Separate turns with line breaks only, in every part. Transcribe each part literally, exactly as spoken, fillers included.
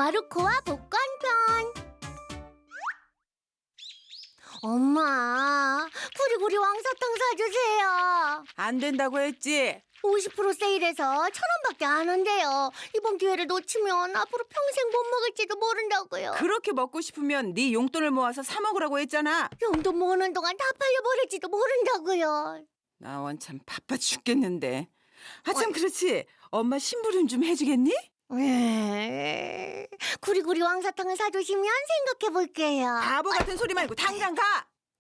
마르코와 복권편. 엄마, 구리구리 왕사탕 사주세요.
안 된다고 했지?
오십 퍼센트 세일해서 천 원밖에 안 한대요. 이번 기회를 놓치면 앞으로 평생 못 먹을지도 모른다고요.
그렇게 먹고 싶으면 네 용돈을 모아서 사 먹으라고 했잖아.
용돈 모으는 동안 다 팔려버릴지도 모른다고요.
나 원참 바빠 죽겠는데. 아 참 그렇지. 엄마 심부름 좀 해주겠니?
에... 구리구리 왕사탕을 사주시면 생각해볼게요.
바보 같은 소리 말고 당장 가.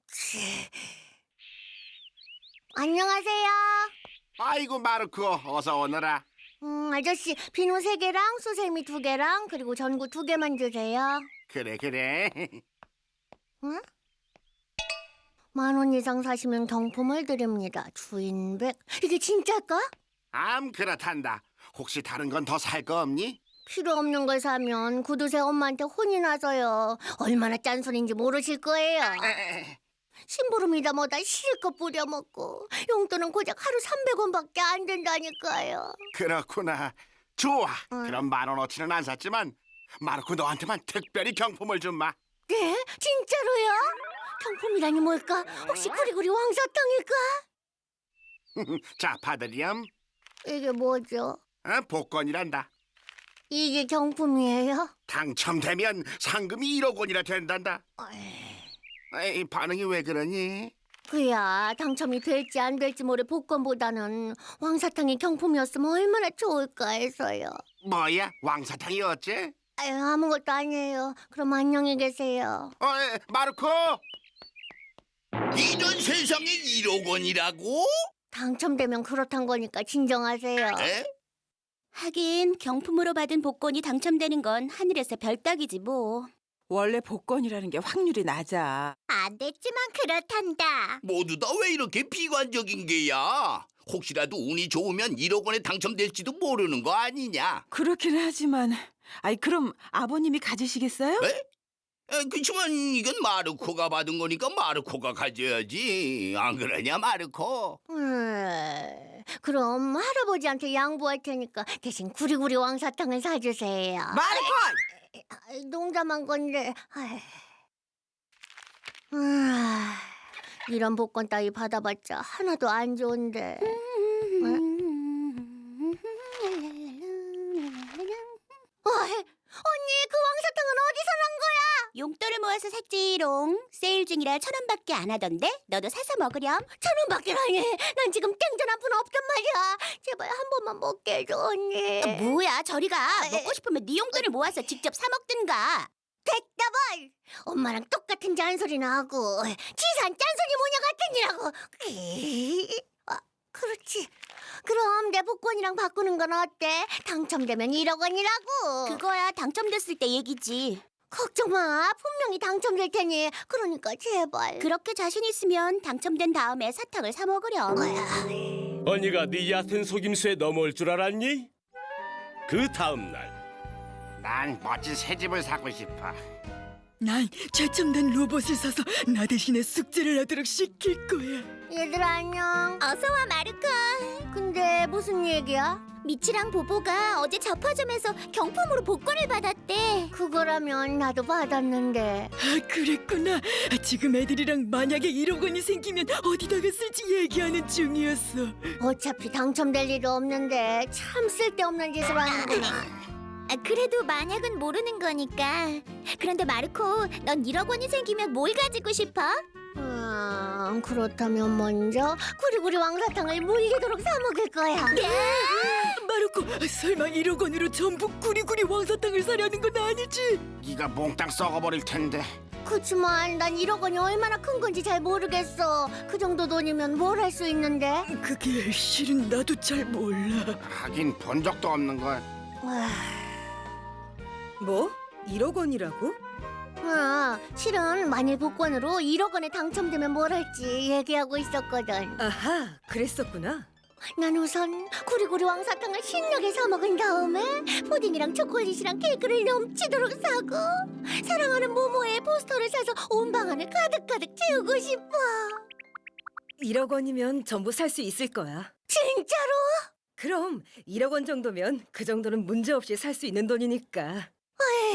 안녕하세요.
아이고 마르코 어서 오너라.
음, 아저씨 비누 세 개랑 수세미 두 개랑 그리고 전구 두 개만 주세요.
그래 그래.
응? 만 원 이상 사시면 경품을 드립니다. 주인백. 이게 진짜일까?
암 그렇단다. 혹시 다른 건 더 살 거 없니?
필요 없는 걸 사면 구두쇠 엄마한테 혼이 나서요. 얼마나 짠소리인지 모르실 거예요.
에에에.
심부름이다 뭐다 실컷 부려먹고 용돈은 고작 하루 삼백 원밖에 안 된다니까요.
그렇구나. 좋아.
응.
그럼 만 원어치는 안 샀지만 마르코 너한테만 특별히 경품을 준마.
네? 진짜로요? 경품이라니 뭘까? 혹시 구리구리 왕사탕일까?
자 받으렴.
이게 뭐죠?
어, 복권이란다.
이게 경품이에요?
당첨되면 상금이 일억 원이나 된단다. 에이, 반응이 왜 그러니?
그야 당첨이 될지 안 될지 모를 복권보다는 왕사탕이 경품이었으면 얼마나 좋을까 해서요.
뭐야? 왕사탕이 어째?
아유, 아무것도 아니에요. 그럼 안녕히 계세요.
어, 에, 마르코!
이런 세상에 일억 원이라고?
당첨되면 그렇단 거니까 진정하세요.
에?
하긴 경품으로 받은 복권이 당첨되는 건 하늘에서 별따기지 뭐.
원래 복권이라는 게 확률이 낮아.
안 됐지만 그렇단다.
모두 다 왜 이렇게 비관적인 게야? 혹시라도 운이 좋으면 일억 원에 당첨될지도 모르는 거 아니냐?
그렇긴 하지만, 아이 그럼 아버님이 가지시겠어요?
에? 에, 그치만 이건 마르코가 받은 거니까 마르코가 가져야지. 안 그러냐 마르코?
음, 그럼 할아버지한테 양보할 테니까 대신 구리구리 왕사탕을 사주세요.
마르코!
아이, 농담한 건데. 아이. 아, 이런 복권 따위 받아봤자 하나도 안 좋은데. 어이, 언니 그 왕사탕은 어디서 난 거야?
용돈을 모아서 샀지롱. 세일 중이라 천 원밖에 안 하던데 너도 사서 먹으렴.
천 원밖에라니. 난 지금 땡전 한 푼 없단 말이야. 제발 한 번만 먹게 해줘 언니.
아, 뭐야 저리 가.
아,
먹고 싶으면 네 용돈을 모아서 직접 사 먹든가.
됐다 뭘. 엄마랑 똑같은 잔소리나 하고 치산 짠소리 모녀 같으니라고. 에이, 아, 그렇지. 그럼 내 복권이랑 바꾸는 건 어때? 당첨되면 일억 원이라고.
그거야 당첨됐을 때 얘기지.
걱정 마. 분명히 당첨될 테니. 그러니까 제발.
그렇게 자신 있으면 당첨된 다음에 사탕을 사 먹으렴.
언니가 네 얕은 속임수에 넘어올 줄 알았니? 그 다음 날
난 멋진 새 집을 사고 싶어.
난 최첨단 로봇을 사서 나 대신에 숙제를 하도록 시킬 거야.
얘들아 안녕.
어서 와 마르코.
근데 무슨 얘기야?
미치랑 보보가 어제 잡화점에서 경품으로 복권을 받았대.
그거라면 나도 받았는데.
아, 그랬구나. 지금 애들이랑 만약에 일억 원이 생기면 어디다가 쓸지 얘기하는 중이었어.
어차피 당첨될 일도 없는데 참 쓸데없는 짓을 하는구나.
아, 그래도 만약은 모르는 거니까. 그런데 마르코, 넌 일억 원이 생기면 뭘 가지고 싶어?
음, 그렇다면 먼저 구리구리 왕사탕을 물리도록 사 먹을 거야.
마르코, 설마 일억 원으로 전부 구리구리 왕사탕을 사려는 건 아니지?
네가 몽땅 썩어버릴 텐데.
그치만 난 일억 원이 얼마나 큰 건지 잘 모르겠어. 그 정도 돈이면 뭘 할 수 있는데?
그게 실은 나도 잘 몰라.
하긴 본 적도 없는 걸.
와,
뭐? 일억 원이라고?
아, 실은 만일 복권으로 일억 원에 당첨되면 뭘 할지 얘기하고 있었거든.
아하, 그랬었구나.
난 우선 구리구리 왕사탕을 신나게 사 먹은 다음에 푸딩이랑 초콜릿이랑 케이크를 넘치도록 사고 사랑하는 모모의 포스터를 사서 온 방안을 가득가득 채우고 싶어.
일억 원이면 전부 살 수 있을 거야.
진짜로?
그럼 일억 원 정도면 그 정도는 문제 없이 살 수 있는 돈이니까.
에이,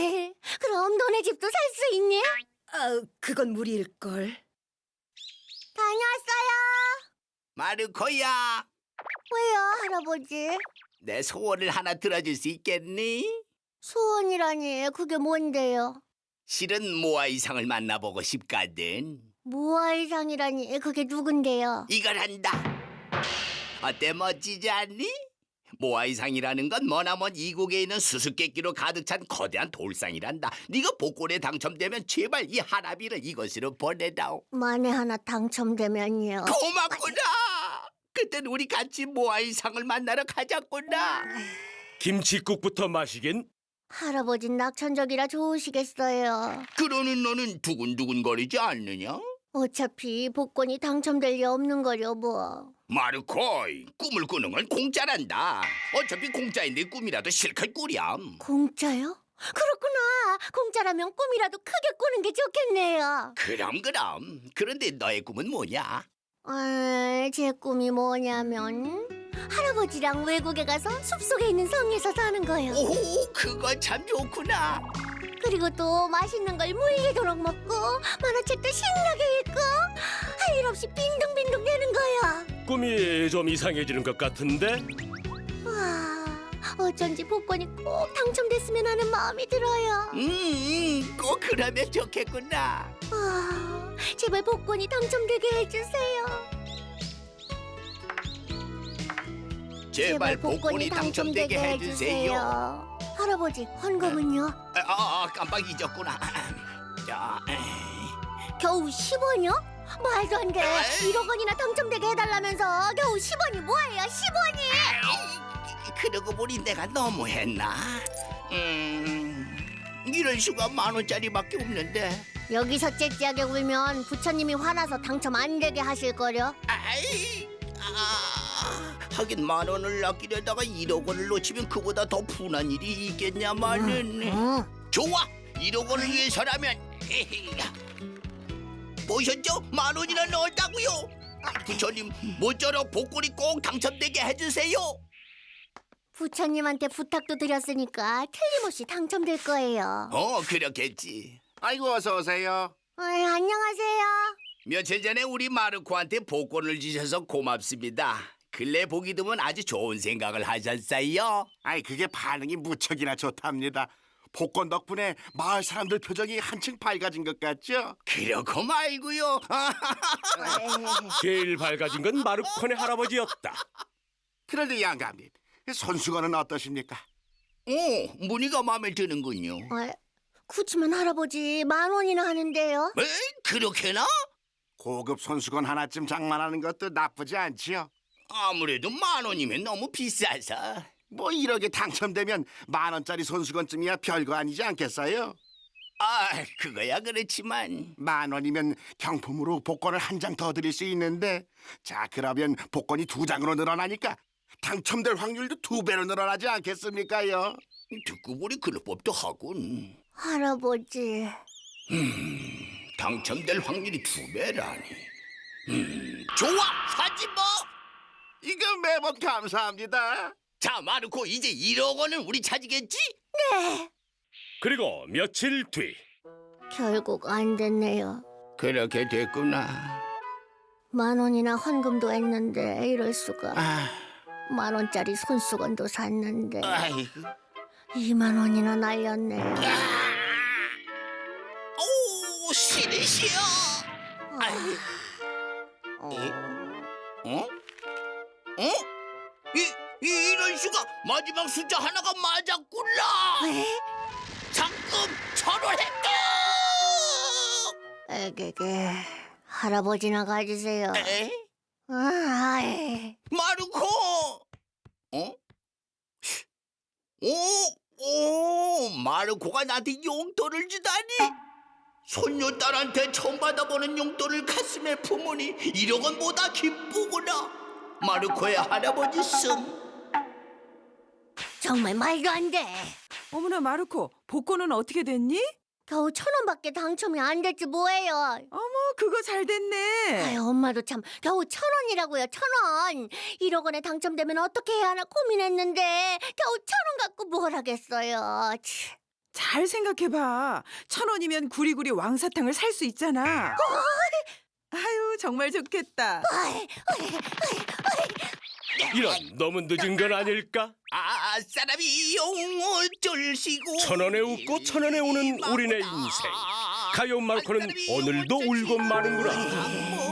그럼 너네 집도 살 수 있니?
아, 그건 무리일걸.
다녀왔어요.
마르코야,
왜요, 할아버지?
내 소원을 하나 들어줄 수 있겠니?
소원이라니, 그게 뭔데요?
실은 모아 이상을 만나보고 싶거든.
모아이상이라니, 그게 누군데요?
이걸 한다. 어때, 멋지지 않니? 모아이상이라는 건 머나먼 이국에 있는 수수께끼로 가득 찬 거대한 돌상이란다. 네가 복권에 당첨되면 제발 이 하나비를 이것으로 보내다오.
만에 하나 당첨되면요.
고맙구나. 그땐 우리 같이 모아이상을 만나러 가자꾸나.
김치국부터 마시긴.
할아버진 낙천적이라 좋으시겠어요.
그러는 너는 두근두근거리지 않느냐?
어차피 복권이 당첨될 리 없는 거려 뭐.
마르코이, 꿈을 꾸는 건 공짜란다. 어차피 공짜인데 꿈이라도 실컷 꾸렴.
공짜요? 그렇구나. 공짜라면 꿈이라도 크게 꾸는 게 좋겠네요.
그럼 그럼. 그런데 너의 꿈은 뭐냐?
아, 제 꿈이 뭐냐면 할아버지랑 외국에 가서 숲속에 있는 성에서 사는 거요.
오, 그거 참 좋구나.
그리고 또 맛있는 걸 물리도록 먹고 만화책도 신나게 읽고 할 일 없이 빈둥빈둥 되는 거요.
꿈이 좀 이상해지는 것 같은데?
와, 어쩐지 복권이 꼭 당첨됐으면 하는 마음이 들어요.
음, 꼭 그러면 좋겠구나.
와, 제발 복권이 당첨되게 해주세요.
제발 복권이 당첨되게 해주세요.
할아버지, 헌금은요?
아, 아, 깜빡 잊었구나. 자,
겨우 십 원이요? 말도 안 돼. 일억 원이나 당첨되게 해달라면서 겨우 십 원이 뭐예요, 십 원이?
그러고 보니 내가 너무했나? 음, 이럴 수가 만 원짜리밖에 없는데.
여기서 째째하게 울면 부처님이 화나서 당첨 안 되게 하실 거려.
아이, 아, 하긴 만 원을 아끼려다가 일억 원을 놓치면 그보다 더 분한 일이 있겠냐마는.
응.
좋아, 일억 원을 위해서라면. 보셨죠? 만 원이나 넣었다고요. 부처님, 모쪼록 복권이 꼭 당첨되게 해주세요.
부처님한테 부탁도 드렸으니까 틀림없이 당첨될 거예요.
어, 그렇겠지.
아이고 어서 오세요.
어이, 안녕하세요.
며칠 전에 우리 마르코한테 복권을 주셔서 고맙습니다. 근래 보기 드문 아주 좋은 생각을 하셨어요.
아이 그게 반응이 무척이나 좋답니다. 복권 덕분에 마을 사람들 표정이 한층 밝아진 것 같죠?
그렇고 말고요.
제일 밝아진 건 마르코네 할아버지였다.
그런데 양감님, 손수건은 어떠십니까?
오, 무늬가 마음에 드는군요.
어, 그치만 할아버지 만 원이나 하는데요.
에? 그렇게나?
고급 손수건 하나쯤 장만하는 것도 나쁘지 않지요.
아무래도 만 원이면 너무 비싸서.
뭐 일억에 당첨되면 만 원짜리 손수건쯤이야 별거 아니지 않겠어요?
아, 그거야 그렇지만.
만 원이면 경품으로 복권을 한 장 더 드릴 수 있는데, 자 그러면 복권이 두 장으로 늘어나니까 당첨될 확률도 두 배로 늘어나지 않겠습니까요?
듣고 보니 그럴 법도 하군.
할아버지.
당첨될 확률이 두 배라니. 음, 좋아, 사지 뭐.
이거 매번 감사합니다.
자, 마르코, 이제 일억 원은 우리 차지겠지?
네.
그리고 며칠 뒤
결국 안 됐네요.
그렇게 됐구나.
만 원이나 헌금도 했는데 이럴 수가.
아,
만 원짜리 손수건도 샀는데
아이고.
이만 원이나 날렸네요.
오, 싫으시오. 아이,
어,
어? 어? 이, 이 이런 수가 마지막 숫자 하나가 맞았구나.
왜?
상금 천원 획득.
에게게. 할아버지나 가지세요.
에?
아, 아이.
마르코. 어? 오, 오, 마르코가 나한테 용돈을 주다니. 손녀딸한테 처음 받아보는 용돈을 가슴에 품으니 일억 원보다 기쁘구나. 마르코의 할아버지 씀.
정말 말도 안 돼.
어머나 마르코, 복권은 어떻게 됐니?
겨우 천 원밖에 당첨이 안 됐지 뭐예요.
어머, 그거 잘 됐네.
아유, 엄마도 참 겨우 천 원이라고요, 천 원. 일억 원에 당첨되면 어떻게 해야 하나 고민했는데 겨우 천 원 갖고 뭘 하겠어요. 치.
잘 생각해봐. 천 원이면 구리구리 왕사탕을 살 수 있잖아. 아유, 정말 좋겠다.
이런 너무 늦은 건 아닐까?
아, 사람이 용어쩔 시고
천 원에 웃고 천 원에 우는 우리네 인생. 가요 마르코는 오늘도 울고 마는구나.